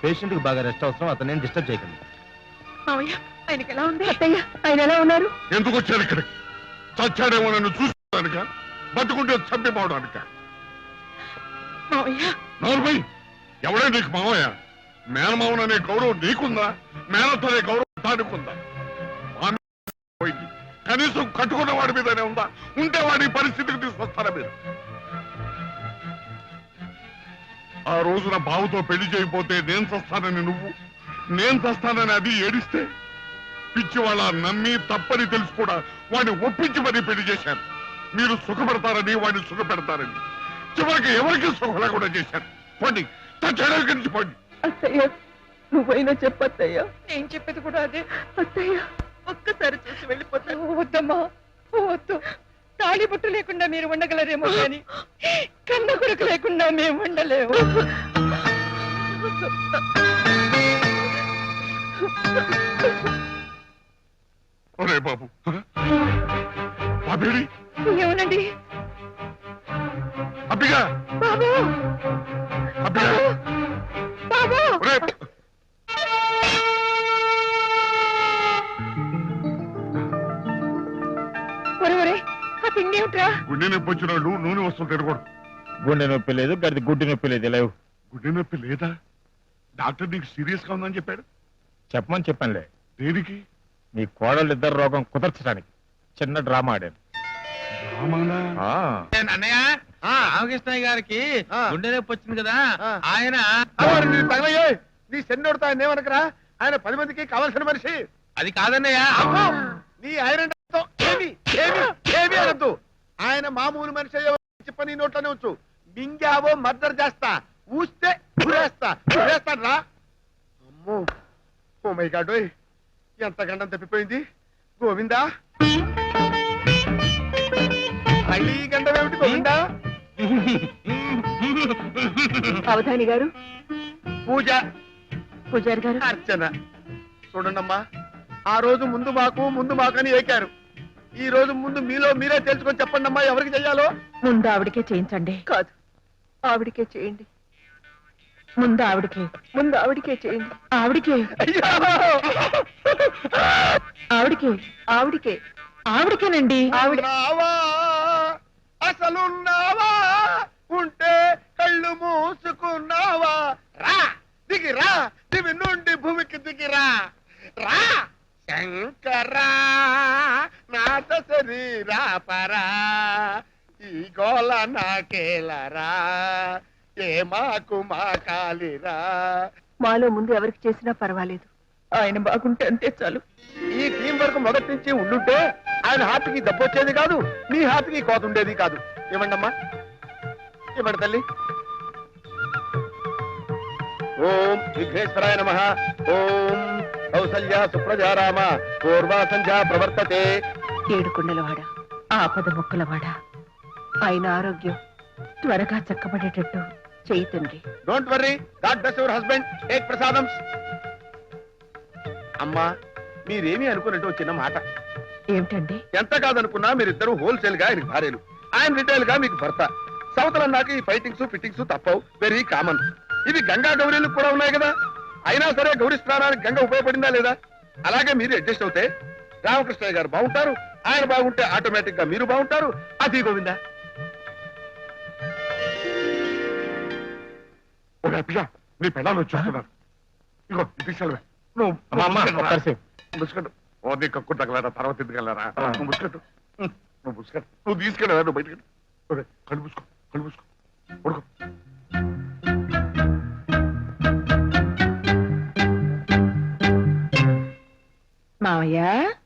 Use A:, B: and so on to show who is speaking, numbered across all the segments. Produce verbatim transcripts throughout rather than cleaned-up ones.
A: Patient కి బాగా rest అవసరం, అతను డిస్టర్బ్ చేయకండి.
B: మావయ్య ఆయనకి ఎలా ఉంది? అత్తయ్య ఆయన ఎలా ఉన్నారు?
C: ఎందుకు వచ్చారు ఇక్కడ? చచ్చాడేమో నన్ను చూసుకోవడానిక, బతుకుంటే చంపిపోవడానిక?
B: మావయ్య
C: నోర్మై, ఎవడే నీకు మావయ్య? మేనమావననే గౌరవం నీకుందా? మేనతోనే గౌరవం తాడుకుందా? పోయింది, కనీసం కట్టుకున్న వాడి మీదనే ఉందా? ఉంటే వాడి పరిస్థితికి తీసుకొస్తారా మీరు? ఆ రోజున బావుతో పెళ్లి చేయకపోతే నేను చస్తానని నువ్వు, నేను చస్తానని అది ఏడిస్తే పిచ్చి వాళ్ళ నమ్మి తప్పని తెలుసు కూడా వాడిని ఒప్పించి మరీ పెళ్లి చేశాను. మీరు సుఖపడతారని వాడిని సుఖపెడతారని చివరికి ఎవరికి సుఖ లేకుండా చేశారు. పోండి, తచ్చడానికి నుంచి పోండి.
B: అత్తయ్య నువ్వైనా చెప్పత్తయ్య. నేను చెప్పేది కూడా అదే అత్తయ్య. ఒక్కసారి చూసి వెళ్ళిపోతాను. వద్దమ్మా వద్దు. తాళి బుట్టు లేకుండా మీరు ఉండగలరేమో కానీ కన్న కొడుకు లేకుండా మేము ఉండలేము.
C: ఒరే బాబు, బాబేడి
B: ఏమనండి
C: అబ్బిగా,
B: బాబు
C: అబ్బిగా,
B: బాబు
C: ఒరే
B: ఒరే ఒరే ఆ తిండి ఏమిట్రా?
C: గుండె నొప్పి వచ్చిన వాళ్ళు నూనె వస్తువులు తినకూడదు.
A: గుండె నొప్పి లేదు, గడిది గుడ్డి నొప్పి లేదు. లేవు.
C: గుండె నొప్పి లేదా? డాక్టర్ నీకు సీరియస్ గా ఉందని చెప్పాడు.
A: చెప్పమని చెప్పానులే.
C: దేనికి?
A: మీ కోడలు ఇద్దరు రోగం కుదర్చడానికి చిన్న డ్రామా ఆడాను.
C: రామానా?
A: ఆ,
D: అన్నయ్య రామకృష్ణయ్య గారికి గుండె నొప్పి వచ్చింది కదా, ఆయన
E: నీ సెన్నోడుతా ఏమనకరా, ఆయన పది మందికి కావాల్సిన మనిషి.
D: అది కాదన్నయ్య.
E: నీ ఐరన్ ఏమి ఏమి ఏమి అనద్దు. ఆయన మామూలు మనిషి చెప్ప నీ నోట్లోనే వచ్చు. మింగావో మర్డర్ చేస్తా, ఊస్తే ఊరేస్తా ఊరేస్తాను రా. అమ్మో ఓ మై గాడ్, ఎంత గండం తప్పిపోయింది. గోవిందా, మళ్ళీ గండం ఏమిటి గోవిందా?
B: అవధాని గారు,
E: పూజ,
B: పూజారి గారు,
E: అర్చన. చూడండమ్మా, ఆ రోజు ముందు మాకు ముందు మాకు అని ఏకారు. ఈ రోజు ముందు మీలో మీరే తెలుసుకొని చెప్పండి అమ్మా, ఎవరికి చెయ్యాలో.
B: ముందు ఆవిడకే చేయించండి. కాదు, ఆవిడకే చేయండి. ముందు ఆవిడకే ముందు ఆవిడకే చేయండి. ఆవిడకే
E: అయ్యో!
B: ఆవిడకే ఆవిడకే ఆవిడకేనండి. ఆవిడ
E: ఉన్నావా? అసలున్నావా? ఉంటే కళ్ళు మూసుకున్నావా? రా దిగిరా, దివి నుండి భూమికి దిగిరా. రా శంకరా నాథ శరీరా పరా, ఈ గోళ నాకేలరా, ఏ మాకు మా కాలిరా.
B: మాలో ముందు ఎవరికి చేసినా పర్వాలేదు, ఆయన బాగుంటే అంతే చాలు.
E: ఈ టీం వరకు మొదటి నుంచి ఉండుంటే ఆయన హార్ట్కి దెబ్బొచ్చేది కాదు, నీ హార్ట్కి కోత ఉండేది కాదు. ఇవ్వండమ్మా, ఇవ్వండి తల్లి. ఓం విఘ్నేశ్వరాయ నమః. ఓం కౌసల్య సుప్రజారామ పూర్వా సంధ్యా ప్రవర్తతే.
B: ఏడుకుండలవాడ, ఆపద మొక్కలవాడ, ఆయన ఆరోగ్యం త్వరగా చక్కబడేటట్టు చెయ్యి తండ్రి.
E: Don't worry, God bless your husband. Take ప్రసాదం. అమ్మా, మీరేమీ అనుకున్నట్టు చిన్న మాట.
B: ఏమిటండి?
E: ఎంత కాదనుకున్నా మీరిద్దరు హోల్సేల్ గా ఆయనకి భార్యలు, ఆయన రిటైల్ గా మీకు భర్త. సవతలన్నాక ఈ ఫైటింగ్స్ ఫిట్టింగ్స్ తప్పవు, వెరీ కామన్. ఇవి గంగా గౌరీలకు కూడా ఉన్నాయి కదా. అయినా సరే గౌరీ స్నానానికి గంగ ఉపయోగపడిందా లేదా? అలాగే మీరు అడ్జస్ట్ అవుతే రామకృష్ణయ్య గారు బాగుంటారు, ఆయన బాగుంటే ఆటోమేటిక్ గా మీరు బాగుంటారు. అది గోవిందా.
C: నీ పెళ్ళాలు వచ్చేస్తున్నారు. ఇగో తీసుకెళ్ళవే. నువ్వు ముసుకట్టు. ఓ నీ కక్కు తగలరా, తర్వాత ఎందుకెళ్ళారా? నువ్వు ముసుకట్టు, నువ్వు ముసుకట్టు, నువ్వు తీసుకెళ్ళవా? నువ్వు బయటకి కళ్ళు పూసుకో, కళ్ళు పూసుకో, పడుకో.
B: మావయ్య,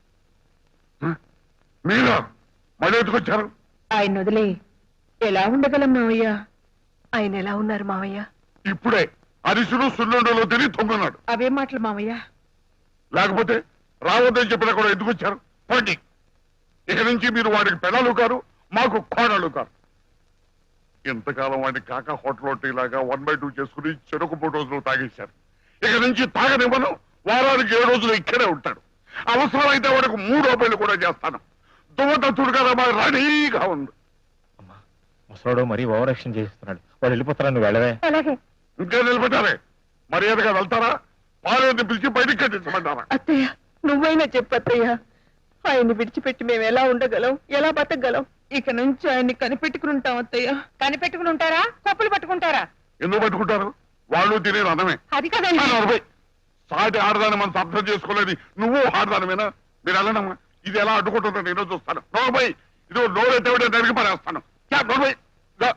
C: మీరా మళ్ళీ ఎత్తుకొచ్చారు?
B: ఆయన వదిలే ఎలా ఉండగలం మావయ్య? ఆయన ఎలా ఉన్నారు మావయ్య?
C: ఇప్పుడే అరిసుడు సున్నుండలో తిరిగి తొంగున్నాడు.
B: అవే మాటలు మావయ్య.
C: లేకపోతే రావద్దని చెప్పినా కూడా ఎందుకు వచ్చారు? పోండి. ఇక నుంచి మీరు వాడికి పెళ్ళాలు కారు, మాకు కోడలు కారు. ఎంతకాలం వాడిని కాక హోటల్ టీలాగా వన్ బై టూ చేసుకుని చెరుకు మూడు రోజులు తాగేశారు. ఇక నుంచి తాగనివ్వను. వారానికి ఏడు రోజులు ఇక్కడే ఉంటాడు. అవసరమైతే వాడికి మూడు రూపాయలు కూడా చేస్తాను. దువ్వతత్తుడు కదా మా రెడీగా ఉంది.
A: ముసలోడు మరీ ఓవర్ యాక్షన్ చేస్తున్నాడు. వాడు వెళ్ళిపోతారా, నువ్వు వెళ్ళవే.
B: అలాగే.
C: ఇంకా నిలబెట్టారే. మర్యాదగా వెళ్తారా పాలేరుని పిలిచి బయటికి కట్టించమంటారా?
B: అత్తయ్య నువ్వైనా చెప్పత్తయ్య. ఆయన్ని విడిచిపెట్టి మేము ఎలా ఉండగలం, ఎలా బతకగలం? ఇక నుంచి ఆయన్ని కనిపెట్టుకుని ఉంటాం అత్తయ్య. కనిపెట్టుకుని ఉంటారా, కప్పులు పట్టుకుంటారా?
C: ఎందుకు పట్టుకుంటారు? వాళ్ళు తినేది అన్నమే.
B: అది కదండి.
C: ఆ, నలభై. సాటి ఆడదాన్ని మనం అర్థం చేసుకోలేదు. నువ్వు ఆడదానివేనా? మీరు వెళ్ళనమ్మా. ఇది ఎలా అడ్డుకుంటుందో నేను చూస్తాను. నలభై ఇది నోరెట్టేవిడే నరికి పడేస్తాను. యా, నలభై. దా.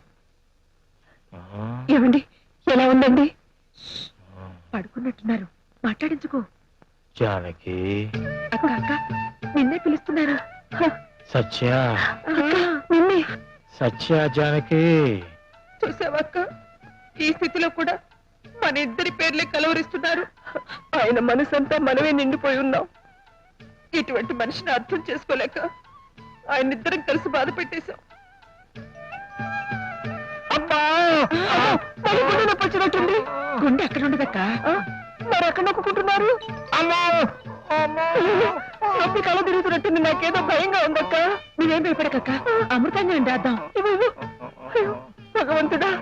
B: ఏమండి ఎలా ఉందండి? పడుకున్నట్టున్నారు, మాట్లాడించుకో.
A: జానకి
B: అక్క అక్క నిన్నే పిలుస్తున్నారు. హ,
A: సత్య
B: అక్క, నిన్నే.
A: సత్య జానకి
B: చూసావక్క, ఈ స్థితిలో కూడా మన ఇద్దరి పేర్లే కలవరిస్తున్నారు. ఆయన మనసంతా మనమే నిండిపోయి ఉన్నాం. ఇటువంటి మనిషిని అర్థం చేసుకోలేక ఆయన ఇద్దరం కలిసి బాధ పెట్టేశాం. అబ్బా, మరి గుండె నొప్పి వచ్చినట్టుంది. గుండె అక్కడ ఉండదక్క, మరి ఎక్కడ నొక్కుంటున్నారు? నొప్పి కళ తిరుగుతున్నట్టుంది. నాకేదో భయంగా ఉందక్క. నువ్వేం భయపడకక్క, అమృతంగా రాద్దాం. భగవంతుడా,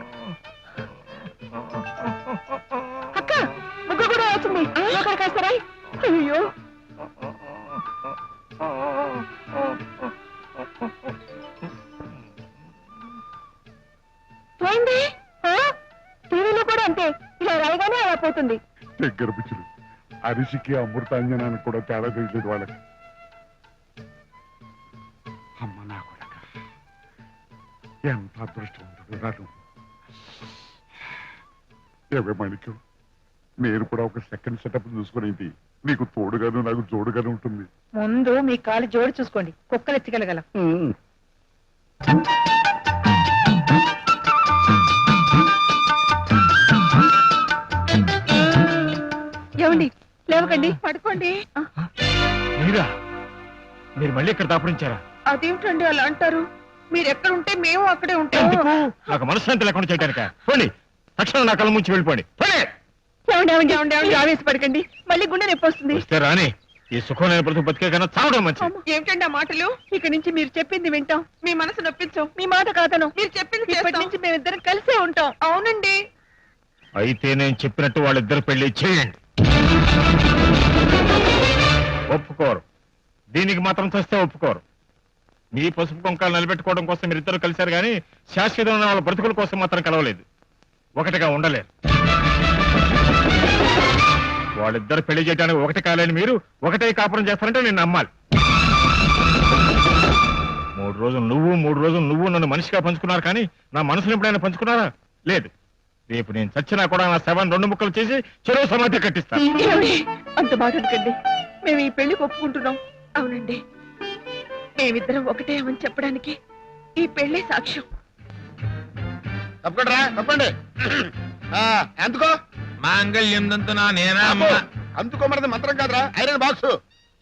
B: అక్క ముగ్గు కూడా వచ్చింది. లోకల్ కాస్తారా? అయ్యో, పోయింది. టీవీలో కూడా అంతే, ఇలా రాయగానే అలా పోతుంది.
C: దగ్గర పిచ్చులు అరిసికి అమృతాంజనానికి కూడా తేడా తెలియదు వాళ్ళకి. అమ్మ నా కొడక, ఎంత అదృష్టవంతుడు రాను. ఏవే మాణిక్యం, నేను కూడా ఒక సెకండ్ సెటప్ చూసుకునేది నీకు తోడుగాను నాకు జోడుగాను ఉంటుంది.
B: ముందు మీ కాలు జోడు చూసుకోండి, కుక్కలు ఎత్తికెళ్ళగలం. ఏమండి లేవకండి, పడుకోండి.
A: మీరా? మీరు మళ్ళీ ఇక్కడ దాపురించారా?
B: అదేమిటండి అలా అంటారు? మీరు ఎక్కడుంటే మేము అక్కడే ఉంటాం.
A: ఎందుకు? నాకు మనశ్శాంతి లేకుండా చేయడానిక? పోండి, తక్షణం నా కళ్ళ ముంచి వెళ్ళిపోండి. పోండి.
B: ఏమండి ఏమండి ఏమండి ఏమండి ఆవేశపడకండి, మళ్ళీ గుండె నొప్పి వస్తుంది.
A: వస్తే రాని, ఈ సుఖం నేను బ్రతుకు బతికే కన్నా చావడం మంచిది.
B: ఏమిటండి ఆ మాటలు? ఇక నుంచి మీరు చెప్పింది వింటాం, మీ మనసు నొప్పించాం, మీ మాట కాదను. మీరు చెప్పింది ఇప్పటి నుంచి మేమిద్దరం కలిసే ఉంటాం. అవునండి.
A: అయితే నేను చెప్పినట్టు వాళ్ళిద్దరు పెళ్లి చేయండి. ఒప్పుకోరు, దీనికి మాత్రం చేస్తే ఒప్పుకోరు. మీ పసుపు కుంకాలు నిలబెట్టుకోవడం కోసం మీరు ఇద్దరు కలిశారు కానీ శాశ్వతమైన వాళ్ళ బ్రతుకుల కోసం మాత్రం కలవలేదు. ఒకటిగా ఉండలేరు. వాళ్ళిద్దరు పెళ్లి చేయడానికి ఒకటి కాలేని మీరు ఒకటే కాపురం చేస్తారంటే నేను నమ్మాలి. మూడు రోజులు నువ్వు మూడు రోజులు నువ్వు నన్ను మనిషిగా పంచుకున్నారు కానీ నా మనసును ఎప్పుడైనా పంచుకున్నారా? లేదు. రేపు నేను చచ్చినా కూడా నా శవాన్ని రెండు ముక్కలు చేసి చెరువు సమాధి కట్టిస్తాను.
B: ఏమండి? అంత మాట అనకండి, మేము ఈ పెళ్లికి ఒప్పుకుంటున్నాం. అవునండి, మేమిద్దరం ఒకటే అని చెప్పడానికి ఈ పెళ్లే సాక్ష్యం.
E: తప్పకుండా తప్పండి. ఎందుకో
D: మాంగళ్యం దంతునా నేనా
E: అందుకోమన్నది మంత్రం కాదురా, ఐరన్ బాక్స్.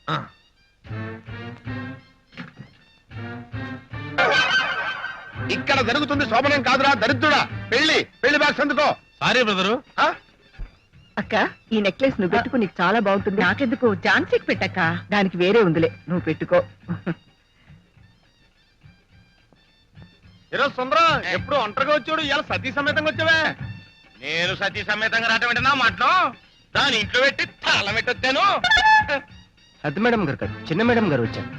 E: ఇక్కడ జరుగుతుంది శోభనం కాదురా దరిద్రుడా. పెళ్లి పెళ్లి బాక్స్ ఎందుకో.
D: Sorry brother.
B: అక్క, ఈ నెక్లెస్ నువ్వు పెట్టుకో, నీకు చాలా బాగుంటుంది. నాకెందుకు, ఝాన్సీకి పెట్టక్క, దానికి వేరే ఉందిలే, నువ్వు పెట్టుకో.
D: ఈరోజు సుందరం ఎప్పుడు ఒంటరిగా వచ్చాడు, ఇవాళ సతీ సమేతంగా వచ్చావే. నేను సతీ సమేతంగా రావటం ఏంటన్నా మాటను దాని ఇంట్లో పెట్టి తాళం పెట్టొచ్చాను.
A: పెద్ద మేడం గారు కాదు, చిన్న మేడం గారు వచ్చారు.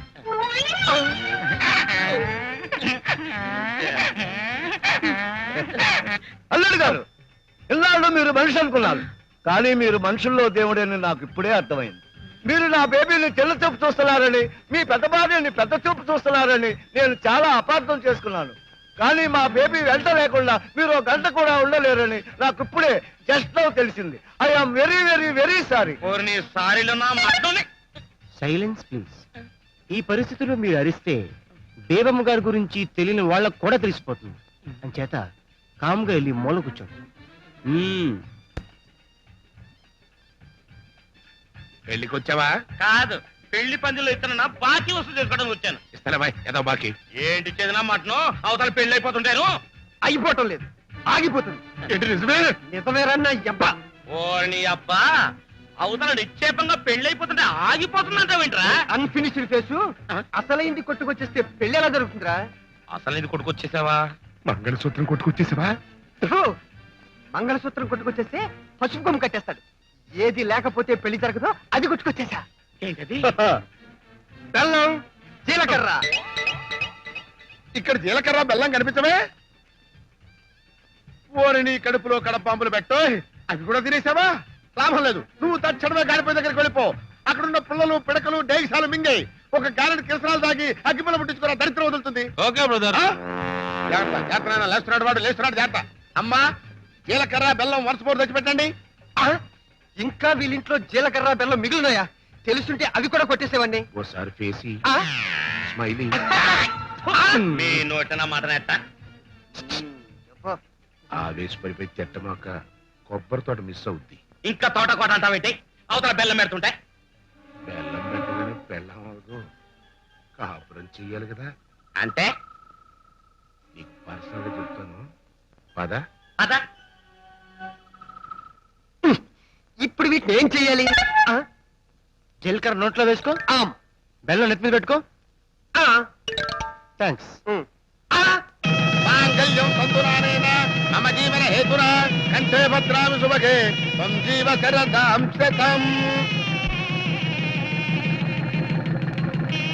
F: అల్లుడు గారు, ఇన్నాళ్ళు మీరు మనిషి అనుకున్నారు, కానీ మీరు మనుషుల్లో దేవుడని నాకు ఇప్పుడే అర్థమైంది. మీరు నా బేబీని తెల్ల చూపు చూస్తున్నారని, మీ పెద్ద భార్యని పెద్ద చూపు చూస్తున్నారని నేను చాలా అపార్థం చేసుకున్నాను. కానీ మా బేబీ వెంట లేకుండా మీరు ఒక గంట కూడా ఉండలేరని నాకు ఇప్పుడే జస్ట్ నౌ తెలిసింది. I am very very very sorry.
D: సారీలో నా మాటని
G: సైలెన్స్ ప్లీజ్. ఈ పరిస్థితుల్లో మీరు అరిస్తే బేబమ్మ గారి గురించి తెలియని వాళ్ళకు కూడా తెలిసిపోతుంది. అంచేత కామ్గా వెళ్ళి మూల కూర్చోండి. మ్మ్.
D: పెళ్లికి వచ్చావా? కాదు, పెళ్లి పందిలో ఇతను బాకీ వసూలు చేసుకోవడానికి వచ్చాను.
E: ఇస్తాలే బాయ్, ఏదో బాకీ.
D: ఏంటి చేదినా మాటను అవతల పెళ్లి అయిపోతుంటాను.
F: అయిపోవటం లేదు, ఆగిపోతుంది.
E: ఏంటి నిజమే?
F: నిజమేరన్నా అబ్బా.
D: ఓర్ని అబ్బా, అవతల నిక్షేపంగా పెళ్లి అయిపోతుంటే ఆగిపోతుందంటావేంట్రా?
F: అన్ఫినిష్డ్ ఫేసు అసలైంది కొట్టుకొచ్చేస్తే పెళ్లి ఎలా జరుగుతుందిరా?
D: అసలు ఇది కొడుకొచ్చేసావా?
C: మంగళసూత్రం కొట్టుకొచ్చేసావా?
F: ఫు, మంగళసూత్రం కొట్టుకొచ్చేస్తే పసుపు కొమ్ము కట్టేస్తాడు. ఏది లేకపోతే పెళ్లి జరగదో అది గుర్తుకొచ్చేసా.
D: ఏంటది?
E: బెల్లం జీలకర్ర. ఇక్కడ జీలకర్ర బెల్లం కనిపించవే? ఓరిని కడుపులో కడపాంపులు పెట్టో, అవి కూడా తినేసావా? లాభం లేదు, నువ్వు తక్షణమే గాడిపోయి దగ్గరికి వెళ్ళిపో. అక్కడున్న పుల్లలు పిడకలు డేగిసాలు మింగాయి. ఒక గారెడు కిరసనాలు తాగి అగ్గిపుల్ల పుట్టించుకున్న దరిద్రం వదులుతుంది.
D: Okay brother.
E: ఆ? జాగ్రత్త, జాగ్రత్త నాన్న, లేస్తున్నాడు వాడు, లేస్తున్నాడు, జాగ్రత్త. అమ్మా, జీలకర్ర బెల్లం వరుస పోటు తెచ్చిపెట్టండి.
F: ఇంకా వీళ్ళింట్లో జీలకర్ర బెల్లం మిగిలినాయా? తెలుసుంటే అవి కూడా కొట్టేసేవాడిని.
D: ఓసారి ఫేసి
F: ఆ?
D: స్మైలింగ్. మీ నోటన మాటనేట ఆవేశపడిపోయి తిట్టమాక కొబ్బరి తోట మిస్ అవుద్ది. ఇంకా తోట కోట అంటావేంటి? అవతల బెల్లం పెడుతుంటే బెల్లం పెట్టగానే బెల్లం అవదు, కాపురం చెయ్యాలి కదా. అంటే నీకు పర్సనల్ గా చెప్తాను, పద పద.
F: ఇప్పుడు వీటిని ఏం చెయ్యాలి? ఆ?
G: జీలకర్ర నోట్లో వేసుకో,
F: ఆమ్.
G: బెల్లం నెత్తి మీద పెట్టుకో.
F: ఆ.
G: థ్యాంక్స్.
F: ఉమ్.
E: ఆ! మాంగళ్యం సంతురానేన మమ జీవన హేతునా కంఠే భద్రామి శుభగే త్వం జీవ శరదాం శతం.